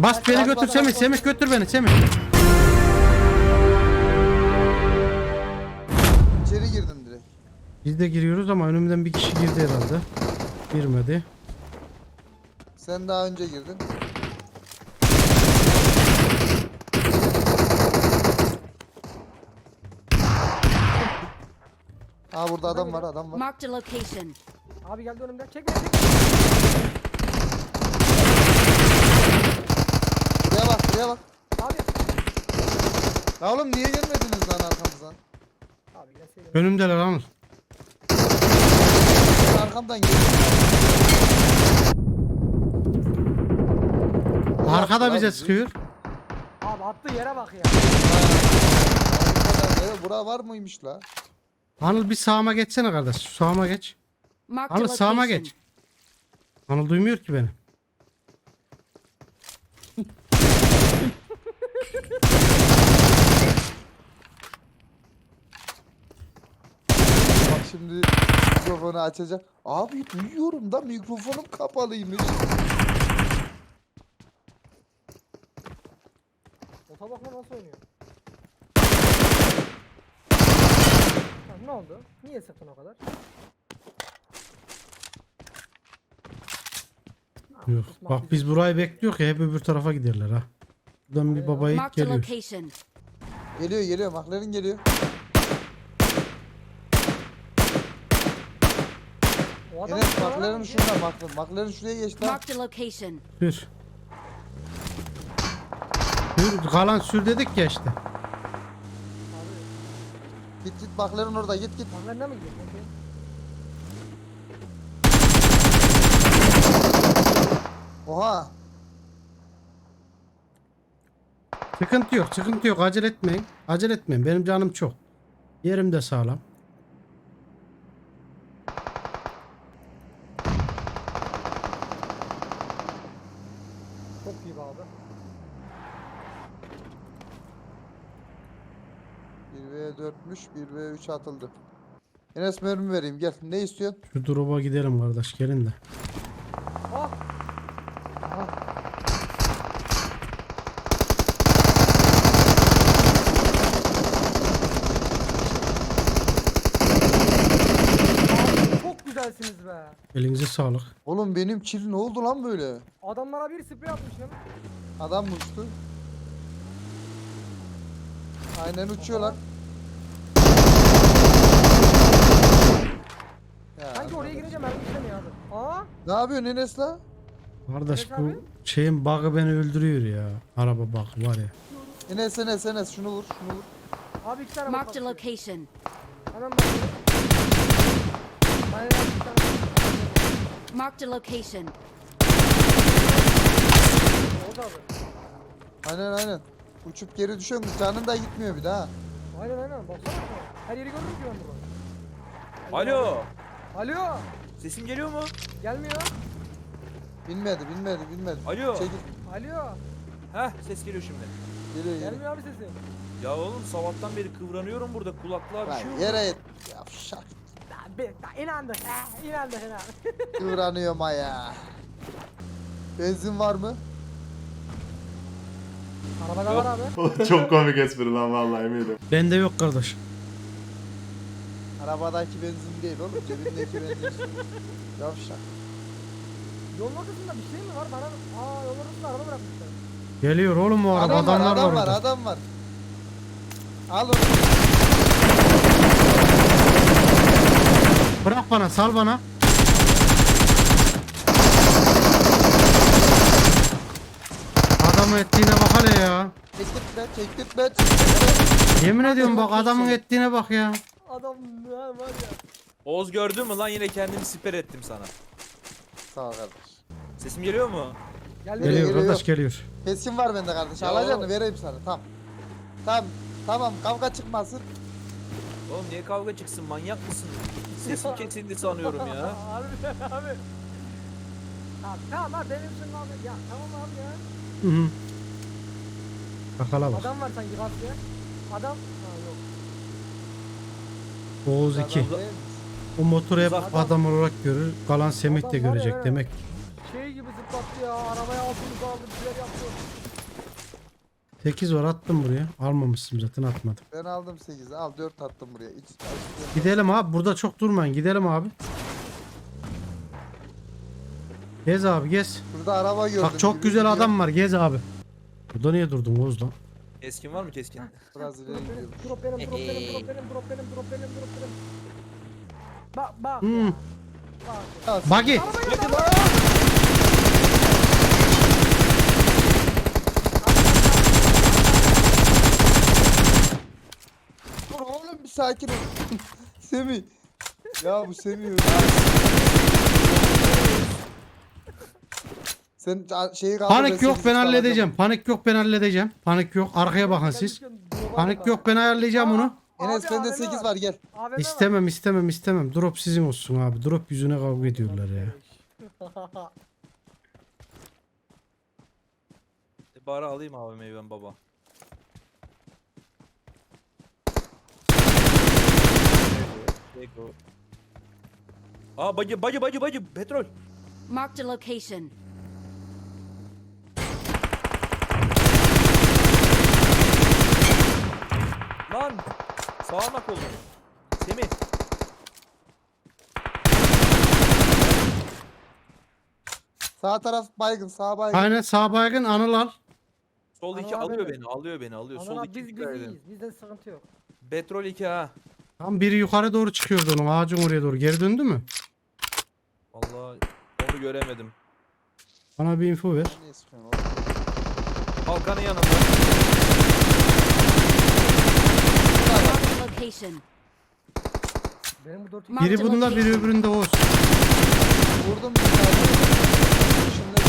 Bas beni götür Semih. Semih götür beni Semih. İçeri girdim direkt. Biz de giriyoruz ama önümden bir kişi girdi herhalde. Girmedi. Sen daha önce girdin. Aa burada adam var, adam var. Marked a location. Abi geldi önümden. Çek beni çek. Buraya bak, buraya bak. Abi. Ya oğlum niye gelmediniz lan arkamızdan? Abi gelseydim. Önümdeler Anıl. Arkamdan gelin. Arkada bize sıkıyor. Abi attığı yere bak ya. Bura var mıymış la? Anıl bir sağıma geçsene kardeş. Şu sağıma geç. Marked a Anıl sağıma location. geç. Anıl duymuyor ki beni. Bak şimdi mikrofonu açacak. Abi duyuyorum da mikrofonum kapalıymış. Ota bakma nasıl oynuyor. Ha, ne oldu? Niye sıktın o kadar? Yok. Bak biz burayı bekliyor ya hep öbür tarafa giderler ha. Buradan bir baba yiğit Marked a geliyor. location. Geliyor geliyor, McLaren geliyor. O adam Enes bana McLaren mı şurada, McLaren şuraya geçti lan. Marked a location. Sür. Sür. Kalan sür dedik ya işte. Abi, Git git McLaren orada, git git. bana mi gidiyor? Okey. Oha. Sıkıntı yok, sıkıntı yok. Acele etmeyin. Acele etmeyin. Benim canım çok. Yerim de sağlam. Çok iyi be abi. 1v4'müş, 1v3 atıldı. Enes mermi vereyim, gel. Ne istiyorsun? Şu drop'a gidelim kardeş. Gelin de. Ah! Abi çok güzelsiniz be. Elinize sağlık. Oğlum benim kill ne oldu lan böyle? Adamlara bir sprey atmışım. Adam uçtu. Aynen uçuyorlar. Ya, Sanki oraya girince mermi işlemiyor abi. Aa! ne yapıyorsun Enes la? Kardeş Evet bu abi. şeyin bug'ı beni öldürüyor ya. Araba bug'ı var ya. Enes şunu vur, şunu vur. Abi iki tane Marked a bak. location. Hemen bakıyorum. Aynen abi iki tane bak. Marked a location. Oldu abi. Aynen. Uçup geri düşüyorsun, canın da gitmiyor bir daha. Aynen baksana. Her yeri gördüm ki ben burada. Alo. Alo! Sesim geliyor mu? Gelmiyor. Bilmedi. Alo. Çekil. Alo! Heh, ses geliyor şimdi. Geliyor. Gelmiyor abi sesin. Ya oğlum sabahtan beri kıvranıyorum burada, kulaklığa bir Lan şey oldu. yere et. Yavşak. İnandık. İnandık. Kıvranıyorum ha ya. Benzin var mı? Arabada var abi. Çok komik espri lan vallahi eminim. Bende yok kardeş. Arabadaki benzin değil oğlum, cebindeki benzin. Yavşak. Yolun ortasında bir şey mi var? Bana yolun ortasında araba bırakmışlar. Geliyor oğlum o araba. Adamlar var orada. Adam var. Al onu. Bırak bana, sal bana. Adamın ettiğine bak hele ya. Çektirtme. Yemin ediyorum bak adamın ettiğine bak ya. Adam var ya. Oğuz gördün mü lan, yine kendimi siper ettim sana. Sağ ol kardeş. Sesim geliyor mu? Geldi. Geliyor geliyor. kardeş geliyor. Keskin var bende kardeş. Ya Alacağını oğlum. vereyim sana. Tamam kavga çıkmasın. Oğlum niye kavga çıksın, manyak mısın? Sesim kesildi sanıyorum ya. Harbiden abi. Tamam abi benim için abi. Ya tamam abi ya. Hı hı. Bakala bak. Adam var sanki bak ya. Adam. Ha yok. Oğuz 2. Adam değil mi? O motoru hep Uzaktan. adam olarak görür. Kalan Semih de Adam var ya, görecek evet. demek. Şey gibi zıplattı ya. Arabaya altımızı aldı. Bir şeyler yaptı. 8 var attım buraya. Almamışsın zaten atmadım. Ben aldım 8'i. Al 4 attım buraya. Gidelim abi. Burada çok durmayın. Gidelim abi. Gez abi gez. Burada araba gördüm. Bak çok gibi güzel gidiyor. adam var. Gez abi. Burada niye durdun Oğuz lan? Keskin var mı keskin? Biraz ileri gidiyorum. Drop benim, drop benim, drop benim, drop benim, drop benim, drop benim. Bak. Hmm. Bak. Ya, Buggy. Dur oğlum bir sakin ol. Semih. Ya bu Semih. Sen şeyi kaldır. Panik yok ben sekiz halledeceğim. Panik yok ben halledeceğim. Panik yok. Arkaya bakın siz. Panik yok ben ayarlayacağım onu. Enes Abi, bende AVM 8 var gel. AVM var. İstemem. Drop sizin olsun abi. Drop yüzüne kavga ediyorlar ya. Bari alayım AVM'yi ben baba. Aa bacı petrol. Marked a location. Lan sağanak oldu. Semih. Sağ taraf baygın, sağ baygın. Aynen sağ baygın Anıl al. Sol iki Anıl abi alıyor mi? beni alıyor. Sol Anam iki biz dikkat edin. iyiyiz. Bizde sıkıntı yok. Petrol 2 ha. Tam biri yukarı doğru çıkıyordu onun ağacın oraya doğru. Geri döndü mü? Vallahi onu göremedim. Bana bir info ver. Niye sıkıyorsun oğlum? Balkanın yanında. Marked a location. Benim bu 4 Marked Biri a bunda biri location. öbüründe Oğuz. Vurdum bir tane. Şimdi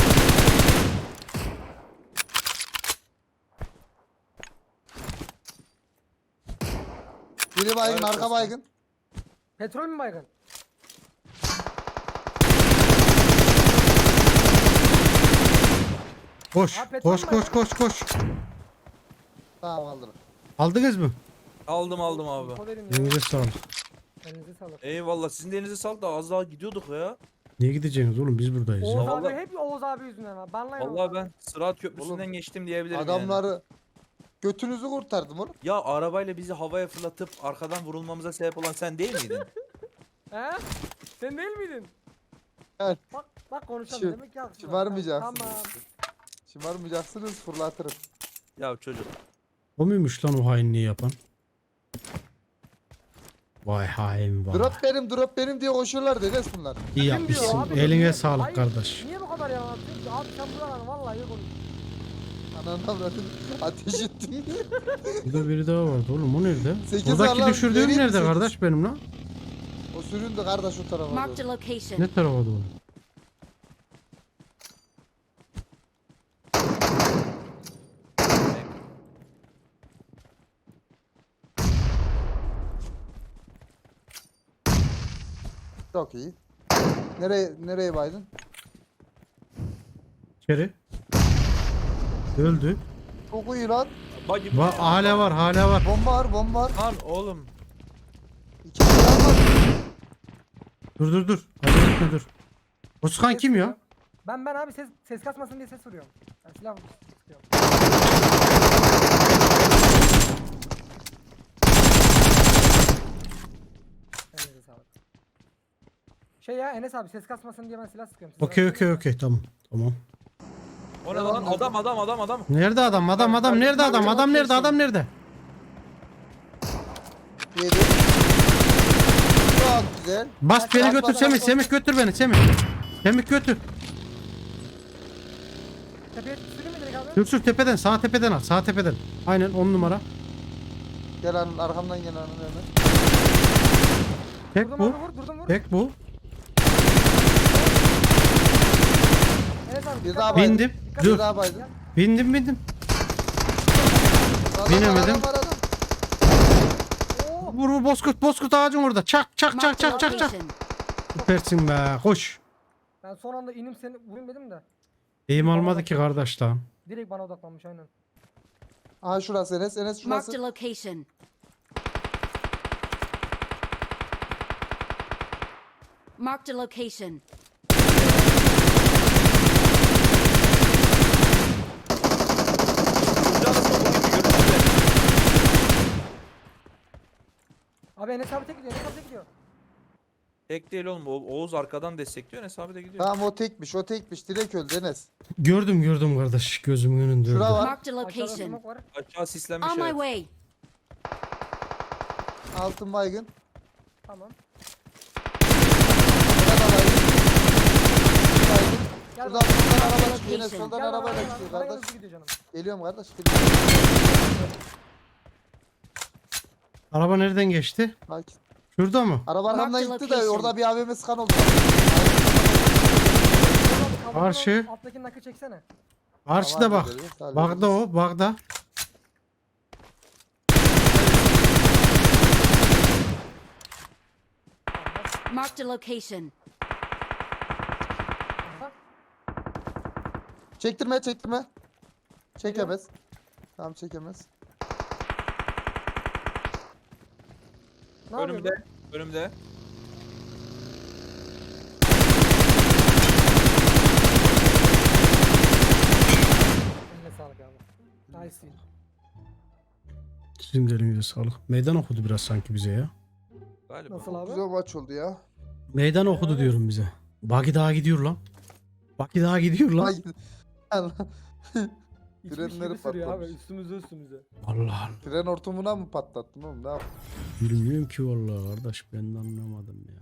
biri baygın, Evet, arka dostum. baygın. Petrol mü baygın? Koş. Ha, petrol Koş mü koş koş koş. Tamam alırım. Aldınız mı? Aldım abi. Info verin ya. Elinize sağlık. Elinize sağlık. Eyvallah sizin de elinize sağlık da az daha gidiyorduk ya. Niye gideceksiniz oğlum biz buradayız Oğuz ya. Ya abi vallahi- hep Oğuz abi yüzünden ha. Banlayın Oğuz Vallahi abi. ben Sırat Köprüsü'nden Oğlum, geçtim diyebilirim yani. Adamları götünüzü kurtardım oğlum. Ya arabayla bizi havaya fırlatıp arkadan vurulmamıza sebep olan sen değil miydin? He? Sen değil miydin? Evet. Bak konuşalım Şi- demek ki haklısın. şımarmayacaksınız. Tamam. Şımarmayacaksınız, fırlatırım. Ya çocuk. O muymuş lan o hainliği yapan? Vay hain vay. Drop benim diye koşuyorlar Enes bunlar. İyi Kim diyor yapmışsın. abi? Eline Niye- sağlık Hayır, kardeş. Niye bu kadar yalan atıyorsun ki? Abi sen bu yalanı vallahi iyi konuş. Ananı avradın. Ateş ettim. Burada biri daha vardı oğlum o nerede? Sekiz Buradaki var lan, düşürdüğüm vereyim mi nerede sekiz? kardeş benim lan? O süründü kardeş o tarafa Marked doğru. a location. Ne tarafa doğru? Çok iyi. Nereye baydın? İçeri. Öldü. Çok iyi lan. Bacı. Hala var. Bomba var. Lan oğlum. 2 silah var. Dur. Acele etme dur. O sıkan kim ya? Ben abi ses kasmasın diye ses vuruyorum. Ben silah sıkıyorum. Elinize sağlık. Şey ya Enes abi ses kasmasın diye ben silah sıkıyorum. Siz Okey tamam. Tamam. O ne lan? Adam. Nerede adam? Adam nerede? 7. Çok güzel. Bas beni Bas, götür bas, Semih. bas. Semih götür beni Semih. Semih götür. Tepeye süreyim mi direkt abi? Sür tepeden sağ tepeden al. Sağ tepeden. Aynen 10 numara. Gel Anıl arkamdan gel Anıl hemen. Tek Vurdum bu. abi vur. Tek bu. Enes abi Bir dikkat daha et. baydın. Bindim. Dikkat Dur. Bir et. daha baydın. Bindim. Adam var, Binemedim. adam var, adam. Oo. Vur bozkurt ağacın orada. Çak. Marked a location. Süpersin be. Koş. Ben son anda inim seni vurayım dedim de. Eğim almadı ki kardeş lan. Direkt bana odaklanmış aynen. Aha şurası Enes Marked şurası. a location. Marked a location. Abi Enes abi tek gidiyor. Enes abi tek gidiyor. Tek değil oğlum. Oğuz arkadan destekliyor. Enes abi de gidiyor. Tamam o tekmiş o tekmiş. Direkt öldü Enes. Gördüm kardeş. Gözümün önünde öldü. Şura var. Marked a Aşağıda location. smoke var. Aşağı sislenmiş On my evet. way. Altın baygın. Tamam. Burada da baygın. Baygın. Gel Şuradan bana. soldan araba çıkıyor. Enes Location. soldan Gel bana, arabayla bana, çıkıyor bana kardeş. hızlı gidiyor canım. Geliyorum kardeş. Araba nereden geçti? Bak. Şurada mı? Araba arkamdan Marked gitti de location. orada bir AVM sıkan oldu. Abi, Karşı. Alttaki nakı çeksene. Karşıda bak. Bagda o. Bagda. Marked a location. Aha. Çektirme. Çekemez. Tamam çekemez. Ne yapıyor Önümde. Önümde. bu? Eline sağlık abi. Nice. Sizin de elinize sağlık. Meydan okudu biraz sanki bize ya. Galiba. Nasıl abi? Güzel maç oldu ya. Meydan okudu diyorum bize. Bagi daha gidiyor lan. Bagi daha gidiyor lan. Allah. İçmiş Frenleri gibi sürüyor abi. patlamış. Üstümüze. Allah Allah. Fren hortumuna mı patlattın oğlum? Ne yaptın? Bilmiyorum ki vallahi kardeş ben de anlamadım ya.